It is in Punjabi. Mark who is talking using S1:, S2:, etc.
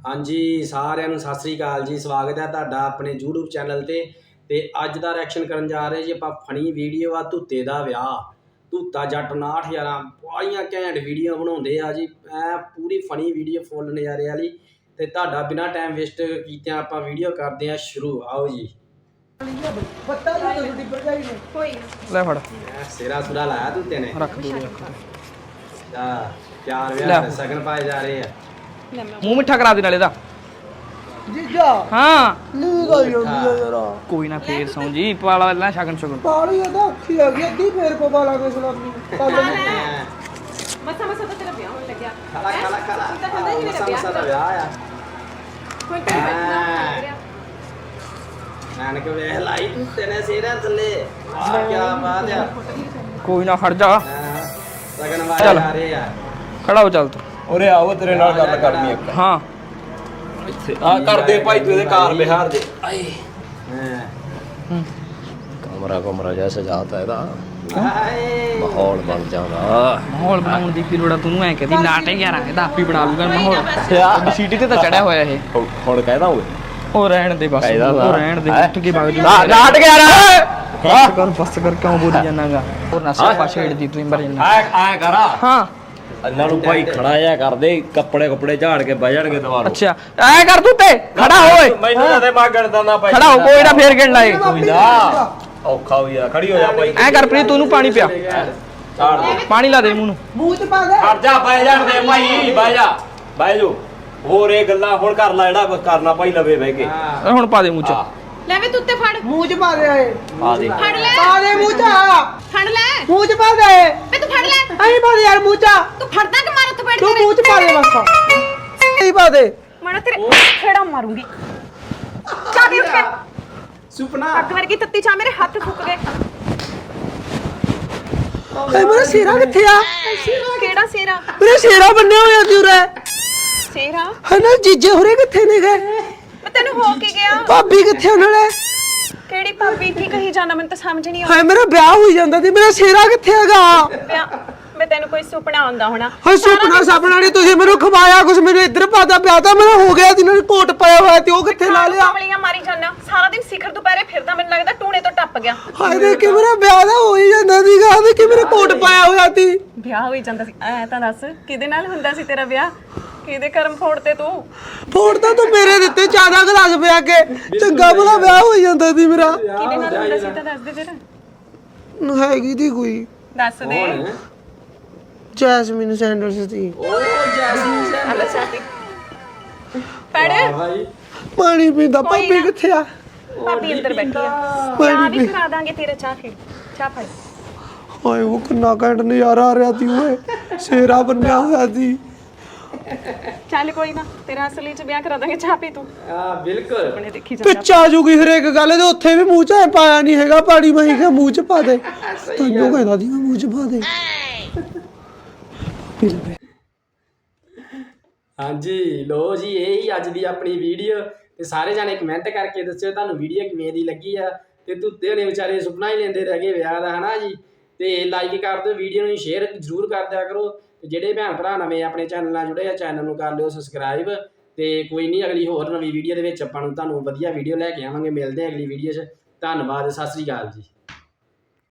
S1: ਹਾਂਜੀ ਸਾਰਿਆਂ ਨੂੰ ਸਤਿ ਸ੍ਰੀ ਅਕਾਲ ਜੀ। ਸਵਾਗਤ ਹੈ ਤੁਹਾਡਾ ਆਪਣੇ YouTube ਚੈਨਲ ਤੇ ਅੱਜ ਦਾ ਰਿਐਕਸ਼ਨ ਕਰਨ ਜਾ ਰਹੇ ਜੀ ਆਪਾਂ ਫਨੀ ਵੀਡੀਓ ਆ ਧੁੱਤੇ ਦਾ ਵਿਆਹ। ਧੁੱਤਾ ਜੱਟ 6911 ਬੜੀਆਂ ਘੈਂਟ ਵੀਡੀਓ ਬਣਾਉਂਦੇ ਆ ਜੀ। ਪੂਰੀ ਫਨੀ ਵੀਡੀਓ ਫੁੱਲ ਨਜ਼ਾਰੇ ਵਾਲੀ ਤੇ ਤੁਹਾਡਾ ਬਿਨਾਂ ਟਾਈਮ ਵੇਸਟ ਕੀਤਿਆਂ ਆਪਾਂ ਵੀਡੀਓ ਕਰਦੇ ਆ ਸ਼ੁਰੂ। ਆਓ ਜੀ।
S2: ਲੈ ਫੜ
S1: ਸਿਰਾ ਸੁਰਾ ਲਾਇਆ ਧੁੱਤੇ ਨੇ।
S2: ਰੱਖ ਦੋ
S1: ਚਾਰ ਵਿਆਹ ਸਗਨ ਪਾਏ ਜਾ ਰਹੇ ਆ।
S2: ਮੂੰਹ ਮਿੱਠਾ ਕਰਾ ਦੇ ਨਾਲੇ ਦਾ
S3: ਜੀਜਾ
S2: ਹਾਂ
S3: ਨੀ ਗਈ ਹੁੰਦੀ ਆ ਯਾਰ
S2: ਕੋਈ ਨਾ ਫੇਰ ਸੌਂ ਜੀ ਪਾਲਾ ਲੈ ਸ਼ਗਨ ਸ਼ਗਨ
S3: ਪਾਲੀ ਉਹਦਾ ਅੱਖੀ ਆ ਗਈ ਅੱਧੀ ਫੇਰ ਪਵਾ ਲਾਂਗੇ ਸਲਾਮੀ ਕੱਲ
S4: ਮਸਾ ਮਸਾ ਤਾਂ ਤੇਰਾ ਵਿਆਹ ਹੋਣ ਲੱਗਿਆ
S1: ਖਾਲਾ ਮਸਾ ਦਾ ਵਿਆਹ ਆ।
S4: ਕੋਈ ਟਾਈਮ ਬੈਠਣਾ
S1: ਨਾਨਕ ਵੇਖ ਲਾਈ ਧੁੱਤੇ ਨੇ ਸਿਰਾਂ ਥੱਲੇ। ਵਾਹ ਕੀ ਬਾਤ ਆ।
S2: ਕੋਈ ਨਾ ਖੜ ਜਾ
S1: ਸਗਨ ਵਾਲੇ ਆ ਰਹੇ ਆ।
S2: ਖੜਾ ਹੋ ਚੱਲ ਤੂੰ
S5: ਉਰੇ ਆਓ ਤੇਰੇ ਨਾਲ ਗੱਲ ਕਰਨੀ ਇੱਕ।
S2: ਹਾਂ
S5: ਆ ਕਰਦੇ ਭਾਈ ਤੂੰ ਇਹਦੇ ਕਾਰ ਬਿਹਾਰ ਦੇ ਆਏ ਕਮਰਾ ਜਿਹਾ ਸਜਾਤਾ ਇਹਦਾ ਮਾਹੌਲ ਬਣ ਜਾਂਦਾ।
S2: ਮਾਹੌਲ ਬਣਾਉਣ ਦੀ ਕੀ ਲੋੜ ਆ? ਤੂੰ ਐ ਕਹਦੀ ਨਾਟਕ ਯਾਰ ਇਹਦਾ ਆਪੀ ਬਣਾ ਲੂਗਾ ਮਾਹੌਲ। ਸੀਟੀ ਤੇ ਤਾਂ ਚੜਿਆ ਹੋਇਆ ਇਹ।
S5: ਹੁਣ ਕਹਿਦਾ ਓਏ
S2: ਉਹ ਰਹਿਣ ਦੇ ਬਸ ਉਹ ਰਹਿਣ ਦੇ ਉੱਠ ਕੇ ਵਗ ਜਾ।
S5: ਨਾਟਕ ਯਾਰ
S2: ਬਸ ਕਰ ਕਿਉਂ ਬੋਲੀ ਜਾਣਾਗਾ? ਹੋਰ ਨਾ ਸਿਰ ਪਾਛੇ ਢਦੀ ਤੂੰ ਮਰ ਜਾਣਾ।
S5: ਆਏ ਕਰਾ
S2: ਹਾਂ
S5: ਇਹਨਾਂ ਨੂੰ ਭਾਈ ਖੜਾ ਜਾ ਕਰਦੇ ਕੱਪੜੇ ਝਾੜ ਕੇ ਬਹਿ ਜਾਣਗੇ ਦੁਬਾਰਾ।
S2: ਅੱਛਾ ਐ ਕਰ ਤੂੰ ਤੇ ਖੜਾ ਹੋਏ
S5: ਮੈਨੂੰ ਤਾਂ ਤੇ ਮਾਗਣ ਦਾ ਭਾਈ
S2: ਖੜਾ ਹੋ ਕੋਈ ਨਾ ਫੇਰ ਗਿਣ ਲਾਏ।
S5: ਕੋਈ ਨਾ ਔਖਾ ਹੋਈ ਆ ਖੜੀ ਹੋ ਜਾ ਭਾਈ।
S2: ਐ ਕਰ ਪ੍ਰੀਤ ਤੂੰ ਇਹਨੂੰ ਪਾਣੀ ਪਿਆ
S5: ਝਾੜ ਦੇ
S2: ਪਾਣੀ ਲਾ ਦੇ ਮੂੰਹ ਨੂੰ।
S3: ਮੂੰਹ ਚ ਪਾ ਦੇ
S5: ਹਟ ਜਾ ਬਹਿ ਜਾਣ ਦੇ ਭਾਈ ਬਹਿ ਜੋ ਹੋਰ ਇਹ ਗੱਲਾਂ ਹੁਣ ਕਰ ਲੈ ਜਿਹੜਾ ਕਰਨਾ ਭਾਈ ਲਵੇ ਬਹਿ ਕੇ।
S2: ਹੁਣ ਪਾ ਦੇ ਮੂੰਹ ਚ।
S4: ਲੈ ਵੇ ਤੂੰ ਤੇ ਫੜ
S3: ਮੂੰਹ ਚ ਪਾ ਦੇ ਆਏ
S5: ਆ ਦੇ
S4: ਫੜ ਲੈ
S3: ਪਾ ਦੇ ਮੂੰਹ ਚ
S4: ਫੜ ਲੈ
S3: ਮੂੰਹ ਚ ਪਾ ਦੇ
S4: ਵੇ ਤੂੰ ਫੜ ਲੈ
S3: ਆਈ ਪਾ ਦੇ ਯਾਰ ਮੂੰਹ ਚ
S4: ਤੂੰ ਫੜਦਾ ਕਿ ਮਾਰ ਉੱਥੇ ਬੈਠ
S3: ਤੂੰ ਮੂੰਹ ਚ ਪਾ ਦੇ ਬਸ ਆਈ ਪਾ ਦੇ
S4: ਮਾਰਾ ਤੇਰੇ ਖੇੜਾ ਮਾਰੂੰਗੀ। ਚਾਬੀ ਉੱਠ ਕੇ
S1: ਸੁਪਨਾ
S4: ਅੱਗ ਵਰਗੀ ਤੱਤੀ ਚਾ ਮੇਰੇ ਹੱਥ ਫੁੱਕ ਗਏ।
S3: ਏ ਮੇਰਾ ਸਿਰਾ ਕਿੱਥੇ ਆ?
S4: ਕਿਹੜਾ ਸੇਰਾ?
S3: ਮੇਰਾ ਸਿਰਾ ਬੰਨਿਆ ਹੋਇਆ ਸੀ ਉਰੇ
S4: ਸੇਰਾ
S3: ਹਨਾ ਜੀਜੇ ਹੋਰੇ ਕਿੱਥੇ ਨੇ ਗਏ?
S4: ਮੈਂ ਤੈਨੂੰ ਹੋ ਕੇ ਗਿਆ।
S3: ਭਾਬੀ ਕਿੱਥੇ ਉਹਨਾਂ ਨੇ?
S4: ਕਿਹੜੀ ਭਾਬੀ ਕੀ ਕਹੀ ਜਾਣਾ ਮੈਨੂੰ ਤਾਂ ਸਮਝ ਨਹੀਂ
S3: ਹਾਏ ਮੇਰਾ ਵਿਆਹ ਹੋਈ ਜਾਂਦਾ ਸੀ ਮੇਰਾ ਸਿਰਾ ਕਿੱਥੇ ਹੈਗਾ?
S4: ਆਉਂਦਾ। ਮੈਂ ਤੈਨੂੰ ਕੋਈ ਸੁਪਨਾ ਆਉਂਦਾ ਹੋਣਾ।
S3: ਹਾਏ ਸੁਪਨਾ ਸਾਪਣਾ ਨਹੀਂ ਤੁਸੀਂ ਮੈਨੂੰ ਖਵਾਇਆ ਕੁਛ ਮੈਨੂੰ ਇੱਧਰ ਪਾਦਾ ਵਿਆਹ ਤਾਂ ਮੇਰਾ ਹੋ ਗਿਆ ਸੀ ਨਾਲ ਕੋਟ ਪਾਇਆ ਹੋਇਆ ਤੇ ਉਹ ਕਿੱਥੇ ਲਾ ਲਿਆ?
S4: ਕਮਲੀਆਂ ਮਾਰੀ ਜਾਣਾ ਸਾਰਾ ਦਿਨ ਸਿਖਰ ਦੁਪਹਿਰੇ ਫਿਰਦਾ ਮੈਨੂੰ ਲੱਗਦਾ ਟੂਣੇ ਤੋਂ ਟੱਪ ਗਿਆ।
S3: ਹਾਏ ਦੇ ਕਿ ਮੇਰਾ ਵਿਆਹ ਦਾ ਹੋ ਹੀ ਜਾਂਦਾ ਸੀਗਾ ਤੇ ਕਿ ਮੇਰਾ ਕੋਟ ਪਾਇਆ ਹੋਇਆ ਸੀ।
S4: ਵਿਆਹ ਹੋਈ ਜਾਂਦਾ ਸੀ ਐ ਤਾਂ ਦੱਸ ਕਿਹਦੇ ਨਾਲ ਹੁੰਦਾ ਸੀ ਤੇਰਾ ਵਿਆਹ? ਕਿਹਦੇ ਕਰਮ ਫੋੜਤੇ ਤੂੰ?
S3: ਫੋੜ ਤਾਂ ਤੂੰ ਮੇਰੇ ਦਿੱਤੇ ਜ਼ਿਆਦਾ ਗਲਾਸ ਪਿਆ ਕੇ ਚੰਗਾ ਭਲਾ ਵਿਆਹ ਹੋ ਜਾਂਦਾ ਸੀ ਮੇਰਾ।
S4: ਕਿਹਦੇ ਨਾਲ ਹੁੰਦਾ ਸੀ ਤਾਂ ਦੱਸ ਦੇ ਫਿਰ।
S3: ਹੈਗੀ ਦੀ ਕੋਈ
S4: ਦੱਸ ਦੇ।
S3: ਜੈਸਮੀਨ ਸੈਂਡਰਸ ਸੀ।
S4: ਪੜ
S1: ਭਾਈ
S3: ਪਾਣੀ ਪੀਂਦਾ ਭਾਬੀ ਕਿੱਥੇ ਆ?
S4: ਭਾਬੀ ਅੰਦਰ ਬੈਠੀ ਆ।
S3: ਪਾਣੀ
S4: ਚਾਹ ਵੀ
S3: ਪੀ
S4: ਕਰਾ ਦਾਂਗੇ ਤੇਰੇ ਚਾਹ ਫਿਰ ਚਾਹ ਫੜ।
S3: ਹਾਏ ਉਹ ਕਿੰਨਾ ਘੈਂਟ ਨਜ਼ਾਰਾ ਆ ਰਿਹਾ ਸੀ ਓਏ ਸ਼ੇਰਾ ਬੰਨਿਆ ਹੋਇਆ ਸੀ।
S4: ਚੱਲ ਕੋਈ ਨਾ ਤੇਰਾ ਅਸਲੀ ਚ ਵਿਆਹ ਕਰਾ ਦਾਂਗੇ ਚਾਹ ਪੀ ਤੂੰ
S1: ਬਿਲਕੁਲ
S4: ਆਪਣੇ ਦੇਖੀ ਜਾ।
S3: ਪਿੱਛ ਆ ਜੂਗੀ ਹਰੇਕ ਗੱਲ ਦੇ ਉੱਥੇ ਵੀ ਮੂੰਹ ਚ ਐਂ ਪਾਇਆ ਨਹੀਂ ਹੈਗਾ ਪਾਣੀ ਮੈਂ ਕਿਹਾ ਮੂੰਹ ਚ ਪਾ ਦੇ ਤੈਨੂੰ ਕਹਿੰਦਾ ਸੀ ਮੈਂ ਮੂੰਹ ਚ ਪਾ ਦੇ।
S1: ਹਾਂਜੀ ਲੋ ਜੀ ਇਹ ਹੀ ਅੱਜ ਦੀ ਆਪਣੀ ਵੀਡੀਓ ਤੇ ਸਾਰੇ ਜਾਣੇ ਕਮੈਂਟ ਕਰਕੇ ਦੱਸਿਓ ਤੁਹਾਨੂੰ ਵੀਡੀਓ ਕਿਵੇਂ ਦੀ ਲੱਗੀ ਆ। ਤੇ ਧੁੱਤੇ ਨੇ ਵਿਚਾਰੇ ਸੁਪਨਾ ਹੀ ਲੈਂਦੇ ਰਹਿ ਗਏ ਵਿਆਹ ਦਾ ਹਨਾ ਜੀ। ਤੇ ਲਾਈਕ ਕਰ ਦਿਓ ਵੀਡੀਓ ਨੂੰ ਸ਼ੇਅਰ ਜ਼ਰੂਰ ਕਰ ਦਿਆ ਕਰੋ। ਤੇ ਜਿਹੜੇ ਭੈਣ ਭਰਾ ਨਵੇਂ ਆਪਣੇ ਚੈਨਲ ਨਾਲ ਜੁੜੇ ਆ ਚੈਨਲ ਨੂੰ ਕਰ ਲਿਓ ਸਬਸਕ੍ਰਾਈਬ। ਤੇ ਕੋਈ ਨਹੀਂ ਅਗਲੀ ਹੋਰ ਨਵੀਂ ਵੀਡੀਓ ਦੇ ਵਿੱਚ ਆਪਾਂ ਨੂੰ ਤੁਹਾਨੂੰ ਵਧੀਆ ਵੀਡੀਓ ਲੈ ਕੇ ਆਵਾਂਗੇ। ਮਿਲਦੇ ਆ ਅਗਲੀ ਵੀਡੀਓ 'ਚ। ਧੰਨਵਾਦ ਸਤਿ ਸ੍ਰੀ ਅਕਾਲ ਜੀ।